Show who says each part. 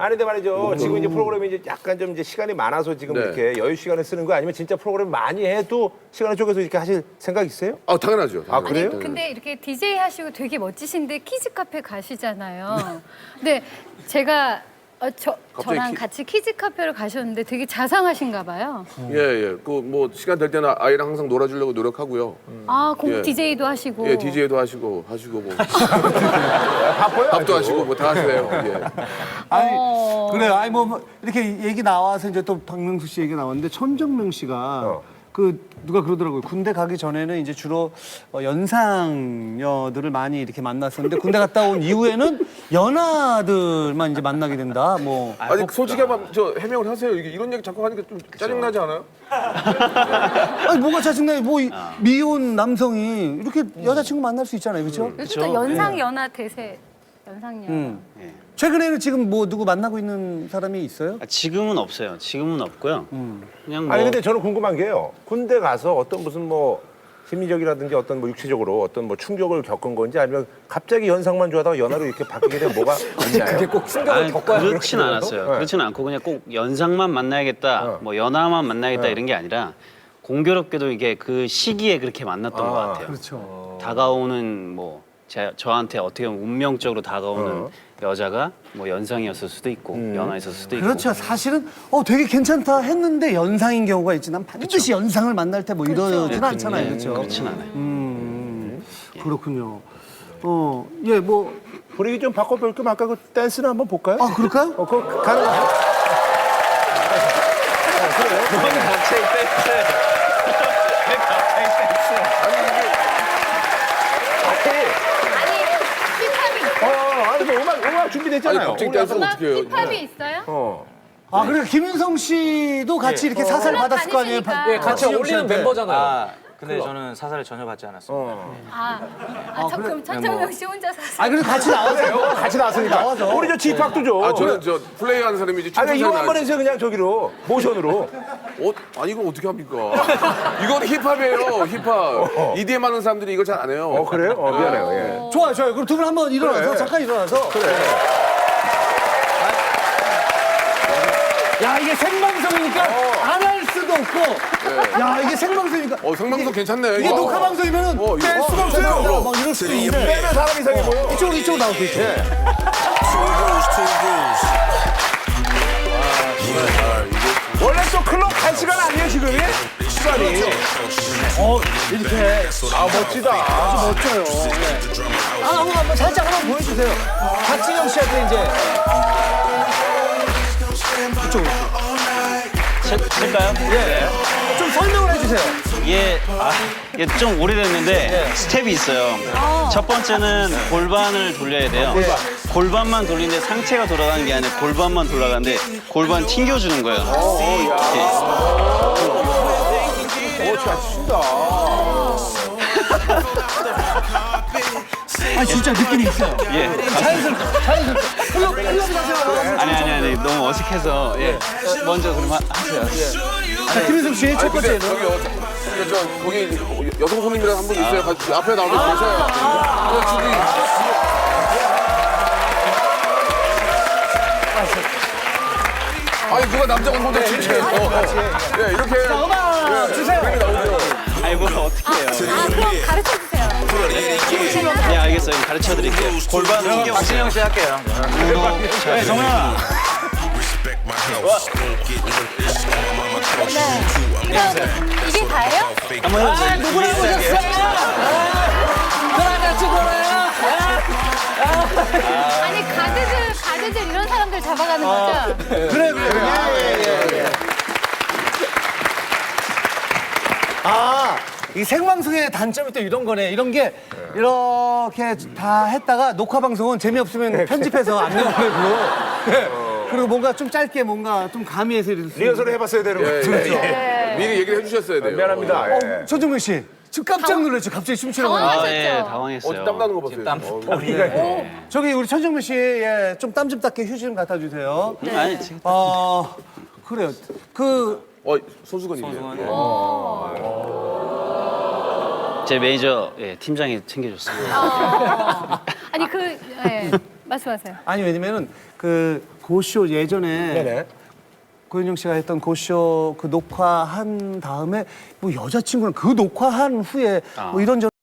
Speaker 1: 아니 근데 말이죠. 지금 이제 프로그램이 이제 약간 좀 이제 시간이 많아서 지금
Speaker 2: 네.
Speaker 1: 이렇게 여유 시간을 쓰는 거 아니면 진짜 프로그램 많이 해도 시간을 쪼개서 이렇게 하실 생각 있어요?
Speaker 2: 아 당연하죠.
Speaker 1: 아, 그래요?
Speaker 3: 아니, 근데 이렇게 DJ 하시고 되게 멋지신데 키즈 카페 가시잖아요. 근데 제가 저랑 같이 키즈 카페를 가셨는데 되게 자상하신가 봐요.
Speaker 2: 예예. 그 뭐 시간 될 때는 아이랑 항상 놀아주려고 노력하고요.
Speaker 3: 아,
Speaker 2: 예.
Speaker 3: DJ도 하시고.
Speaker 2: 예, DJ도 하시고 뭐
Speaker 1: 바빠요?
Speaker 2: 밥도 하시고 뭐 다 하시네요. 예.
Speaker 4: 아니 그래요. 아니 뭐 이렇게 얘기 나와서 이제 또 박명수 씨 얘기 나왔는데 천정명 씨가 그 누가 그러더라고요. 군대 가기 전에는 이제 주로 연상녀들을 많이 이렇게 만났었는데 군대 갔다 온 이후에는 연하들만 이제 만나게 된다. 뭐
Speaker 2: 아니 솔직히 한번 저 해명을 하세요. 이게 이런 얘기 자꾸 하니까 좀 짜증나지 않아요?
Speaker 4: 아니 뭐가 짜증나요? 뭐 미혼 남성이 이렇게 여자친구 만날 수 있잖아요, 그렇죠?
Speaker 3: 요즘 또 연상 연하 대세. 연상녀.
Speaker 4: 최근에는 지금 뭐 누구 만나고 있는 사람이 있어요?
Speaker 5: 지금은 없어요. 지금은 없고요. 그냥 뭐
Speaker 1: 아니 근데 저는 궁금한 게요. 군대 가서 어떤 무슨 뭐 심리적이라든지 어떤 뭐 육체적으로 어떤 뭐 충격을 겪은 건지 아니면 갑자기 연상만 좋아하다가 연하로 이렇게 바뀌게 되면 뭐가 있나요? 그게 꼭 충격을
Speaker 5: 그렇진 않았어요. 그렇진 않고 그냥 꼭 연상만 만나야겠다, 뭐 연하만 만나야겠다 이런 게 아니라 공교롭게도 이게 그 시기에 그렇게 만났던 것 같아요.
Speaker 4: 그렇죠.
Speaker 5: 다가오는 뭐 저한테 어떻게 보면 운명적으로 다가오는 여자가 뭐 연상이었을 수도 있고 연하였을 수도 있고.
Speaker 4: 그렇죠. 사실은 되게 괜찮다 했는데 연상인 경우가 있지. 난 반드시 연상을 만날 때 뭐 이러진 않잖아요, 그렇죠?
Speaker 5: 그렇진 않아요.
Speaker 4: 그렇군요. 예, 뭐
Speaker 1: 분위기 좀 바꿔볼 겸 아까 그 댄스를 한번 볼까요?
Speaker 4: 그럴까요?
Speaker 1: 그거 가능해요?
Speaker 5: 갑자기 댄스.
Speaker 3: 아니, 힙합이
Speaker 1: 아니 뭐 음악 준비됐잖아요.
Speaker 2: 아니 갑자기 댄스를 어떻게 해요?
Speaker 3: 힙합이 있어요?
Speaker 4: 그리고 김윤성 씨도 같이 이렇게 사살 받았을 거 아니에요?
Speaker 3: 다니시니까.
Speaker 6: 예, 같이 어울리는 멤버잖아요.
Speaker 7: 근데 저는 사살을 전혀 받지 않았습니다.
Speaker 3: 그럼 천정명 씨 혼자 사세요.
Speaker 4: 그래도 같이 나와서
Speaker 1: 같이 나왔으니까. 우리 저 집합도 줘.
Speaker 2: 아 저는 저 플레이하는 사람이지.
Speaker 1: 아니 이거 한번
Speaker 2: 춤추는
Speaker 1: 해주세요 그냥 저기로 모션으로.
Speaker 2: 아니 이걸 어떻게 합니까? 이건 힙합이에요. 힙합. EDM 하는 사람들이 이걸 잘 안 해요.
Speaker 1: 그래요? 미안해요. 예.
Speaker 4: 좋아요. 그럼 두 분 한번 일어나서
Speaker 1: 그래.
Speaker 4: 잠깐 일어나서. 야, 이게 생방송이니까 안 할 수도 없고. 야, 이게 생방송이니까.
Speaker 2: 생방송 괜찮네.
Speaker 4: 이게 녹화 방송이면은
Speaker 2: 이거
Speaker 4: 뺄 수가 없어요. 막 이럴 수도 있는데.
Speaker 1: 빼면 사람 이상해 보여.
Speaker 4: 이쪽으로 나오고 있죠.
Speaker 1: 원래 또 클럽 갈 시간 아니에요 지금이? 시간이.
Speaker 4: 이렇게.
Speaker 1: 멋지다.
Speaker 4: 아주 멋져요. 한번 살짝 한번 보여주세요. 박진영 씨한테 이제.
Speaker 5: 칠까요?
Speaker 4: 좀 설명을 해주세요.
Speaker 5: 이게 좀 오래됐는데 스텝이 있어요. 첫 번째는 골반을 돌려야 돼요. 골반만 돌리는데 상체가 돌아가는 게 아니라 골반만 돌아가는데 골반 튕겨주는 거예요.
Speaker 1: 잘 친다.
Speaker 4: 진짜 느낌이 있어요.
Speaker 5: 자연스럽게.
Speaker 4: 클럽이라서.
Speaker 5: 아니 너무 어색해서 먼저 그럼 하세요.
Speaker 4: 김윤성 씨, 첫 번째는.
Speaker 2: 거기 여성 손님이랑 한 분 있어요. 같이 앞에 나오면 계셔요. 아니 누가 남자가 혼자 진짜요? 예 이렇게
Speaker 4: 음악 주세요.
Speaker 5: 아니 뭘 어떻게 해요?
Speaker 3: 그럼 가르쳐주세요.
Speaker 5: 네 알겠어요. 가르쳐 드릴게요. 골반 튕겨.
Speaker 7: 박진영 씨 할게요.
Speaker 5: 네 정현아.
Speaker 3: 그럼 이게 다예요?
Speaker 5: 한번 해보세요.
Speaker 4: 누구를 보셨어요? 같이 놀아요.
Speaker 3: 아니, 가드들 이런 사람들 잡아가는 거죠?
Speaker 4: 그래. 이 생방송의 단점이 또 이런 거네. 이런 게 이렇게 다 했다가 녹화 방송은 재미없으면 편집해서 안 내보내고. 그리고 뭔가 좀 짧게 뭔가 좀 가미해서 이렇게.
Speaker 1: 리허설을 해봤어야 되는 거죠.
Speaker 2: 미리 얘기를 해주셨어야 돼요.
Speaker 1: 미안합니다. 예.
Speaker 4: 손정민 씨, 지금 깜짝 놀랐죠. 갑자기 춤추는 거.
Speaker 3: 당황하셨죠?
Speaker 5: 당황했어요.
Speaker 2: 땀 나는 거 봤어요.
Speaker 4: 저기 우리 천정민 씨, 좀 땀 좀 닦게 휴지 좀 갖다 주세요.
Speaker 5: 아니 지금
Speaker 4: 그래요.
Speaker 2: 손수건이네요.
Speaker 5: 제 매니저 팀장이 챙겨줬어요.
Speaker 3: 아니, 말씀하세요.
Speaker 4: 아니 왜냐면은 그 고쇼 예전에
Speaker 1: 네네.
Speaker 4: 고현정 씨가 했던 고쇼 그 녹화한 다음에 뭐 여자친구랑 그 녹화한 후에 뭐 이런저런